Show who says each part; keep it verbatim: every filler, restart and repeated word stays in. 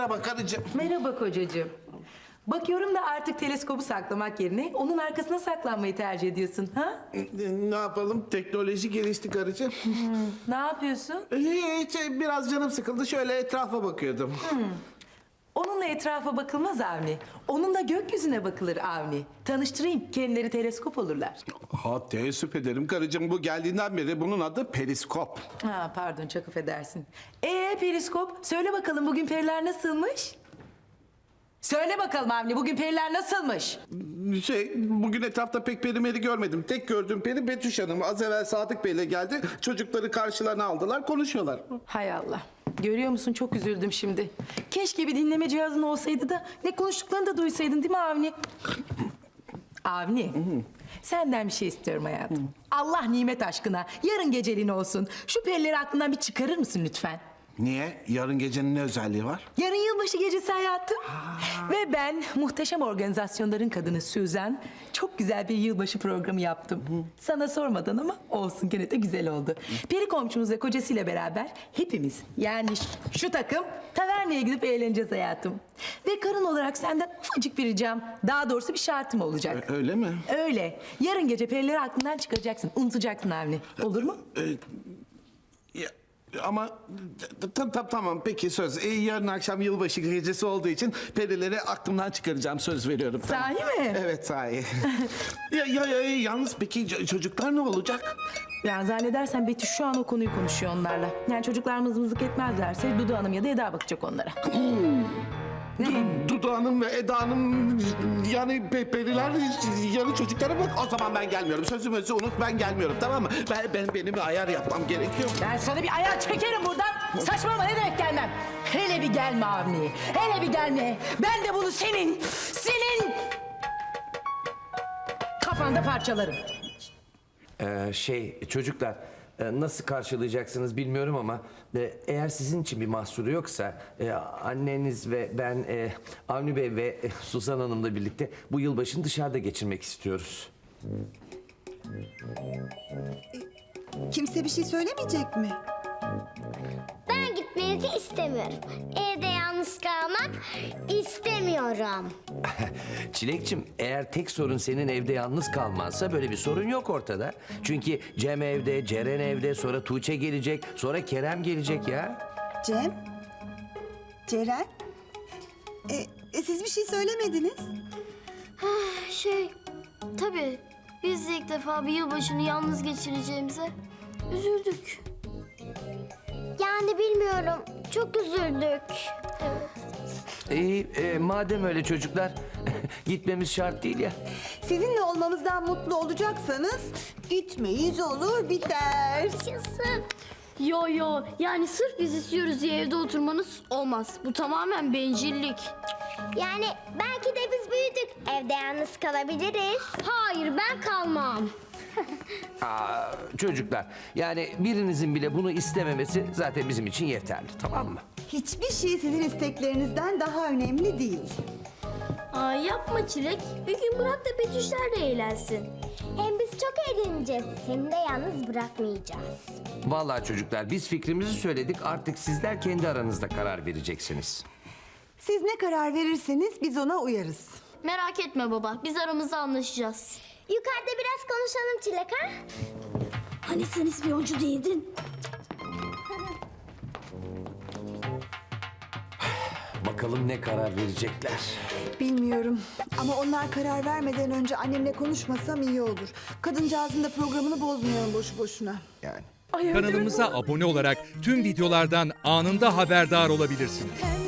Speaker 1: Merhaba karıcığım.
Speaker 2: Merhaba kocacığım. Bakıyorum da artık teleskobu saklamak yerine onun arkasına saklanmayı tercih ediyorsun, ha?
Speaker 1: Ne yapalım? Teknoloji gelişti karıcığım.
Speaker 2: Ne yapıyorsun?
Speaker 1: Hiç, biraz canım sıkıldı. Şöyle etrafa bakıyordum.
Speaker 2: Onunla etrafa bakılmaz Avni. Onunla gökyüzüne bakılır Avni. Tanıştırayım, kendileri teleskop olurlar.
Speaker 1: Ha, teessüf ederim karıcığım. Bu geldiğinden beri bunun adı periskop.
Speaker 2: Ha, pardon, çok affedersin. Ee periskop, söyle bakalım bugün periler nasılmış? Söyle bakalım Avni, bugün periler nasılmış?
Speaker 1: Şey, bugün etrafta pek perimeri görmedim. Tek gördüğüm peri Betüş Hanım. Az evvel Sadık Bey'le geldi. Çocukları karşılarına aldılar, konuşuyorlar.
Speaker 2: Hay Allah. Görüyor musun, çok üzüldüm şimdi. Keşke bir dinleme cihazın olsaydı da ne konuştuklarını da duysaydın, değil mi Avni? Avni, senden bir şey istiyorum hayatım. Allah nimet aşkına yarın geceliğin olsun. Şu perileri aklından bir çıkarır mısın lütfen?
Speaker 1: Niye? Yarın gecenin ne özelliği var?
Speaker 2: Yarın yılbaşı gecesi hayatım. Ve ben muhteşem organizasyonların kadını Suzan çok güzel bir yılbaşı programı yaptım. Sana sormadan ama olsun, gene de güzel oldu. Peri komşumuz ve kocasıyla beraber hepimiz, yani şu, şu takım taverneye gidip eğleneceğiz hayatım. Ve karın olarak senden ufacık bir ricam, daha doğrusu bir şartım olacak.
Speaker 1: Ö- öyle mi?
Speaker 2: Öyle. Yarın gece perileri aklından çıkaracaksın, unutacaksın Avni. Olur mu?
Speaker 1: Ya, ama tam tam tamam peki söz. Ee, yarın akşam yılbaşı gecesi olduğu için perileri aklımdan çıkaracağım, söz veriyorum.
Speaker 2: Sahi mi?
Speaker 1: Evet, sahi. ya, ya, ya, yalnız peki ç- çocuklar ne olacak?
Speaker 2: Ya zannedersen Betüş şu an o konuyu konuşuyor onlarla. Yani çocuklar mızmızlık etmezlerse Dudu Hanım ya da Eda bakacak onlara.
Speaker 1: Du- Dudu Hanım ve Eda Hanım, yani pe- periler yarın çocuklara bak. O zaman ben gelmiyorum. Sözümüzü unut, ben gelmiyorum, tamam mı? Ben, ben benim bir ayar yapmam gerekiyor.
Speaker 2: Ben sana bir ayağı çekerim buradan. Saçmalama, ne demek gelmem? Hele bir gelme Avni. Hele bir gelme. Ben de bunu senin, senin kafanda parçalarım.
Speaker 3: Ee, şey çocuklar e, nasıl karşılayacaksınız bilmiyorum ama e, eğer sizin için bir mahsuru yoksa e, anneniz ve ben e, Avni Bey ve e, Suzan Hanım'la birlikte bu yılbaşını dışarıda geçirmek istiyoruz.
Speaker 4: Kimse bir şey söylemeyecek mi?
Speaker 5: Ben gitmenizi istemiyorum. Evde yalnız kalmak istemiyorum.
Speaker 3: Çilekçim, eğer tek sorun senin evde yalnız kalmansa böyle bir sorun yok ortada. Çünkü Cem evde, Ceren evde, sonra Tuğçe gelecek, sonra Kerem gelecek ya.
Speaker 4: Cem? Ceren? E, e, siz bir şey söylemediniz.
Speaker 6: Şey, tabii biz de ilk defa bir yılbaşını yalnız geçireceğimize üzüldük.
Speaker 5: Yani bilmiyorum. Çok üzüldük.
Speaker 3: İyi, e, madem öyle çocuklar, gitmemiz şart değil ya.
Speaker 4: Sizinle olmamızdan mutlu olacaksanız gitmeyiz, olur biter.
Speaker 5: Yaşasın.
Speaker 6: Yo yo, yani sırf biz istiyoruz diye evde oturmanız olmaz. Bu tamamen bencillik.
Speaker 5: Yani belki de biz büyüdük. Evde yalnız kalabiliriz.
Speaker 6: Hayır, ben kalmam.
Speaker 3: Aa, çocuklar, yani birinizin bile bunu istememesi zaten bizim için yeterli, tamam mı?
Speaker 4: Hiçbir şey sizin isteklerinizden daha önemli değil.
Speaker 6: Aa, yapma Çilek. Bir gün bırak da Betüşler de eğlensin.
Speaker 5: Hem biz çok eğleneceğiz. Seni de yalnız bırakmayacağız.
Speaker 3: Vallahi çocuklar, biz fikrimizi söyledik, artık sizler kendi aranızda karar vereceksiniz.
Speaker 4: Siz ne karar verirseniz biz ona uyarız.
Speaker 6: Merak etme baba, biz aramızda anlaşacağız.
Speaker 5: Yukarıda biraz konuşalım Çilek, ha?
Speaker 6: Hani sen ispiyoncu değildin?
Speaker 3: Bakalım ne karar verecekler.
Speaker 4: Bilmiyorum ama onlar karar vermeden önce annemle konuşmasam iyi olur. Kadıncağızın da programını bozmayalım boşu boşuna.
Speaker 1: Yani.
Speaker 2: Ay,
Speaker 7: Kanalımıza abone olarak tüm videolardan anında haberdar olabilirsiniz.
Speaker 8: Hem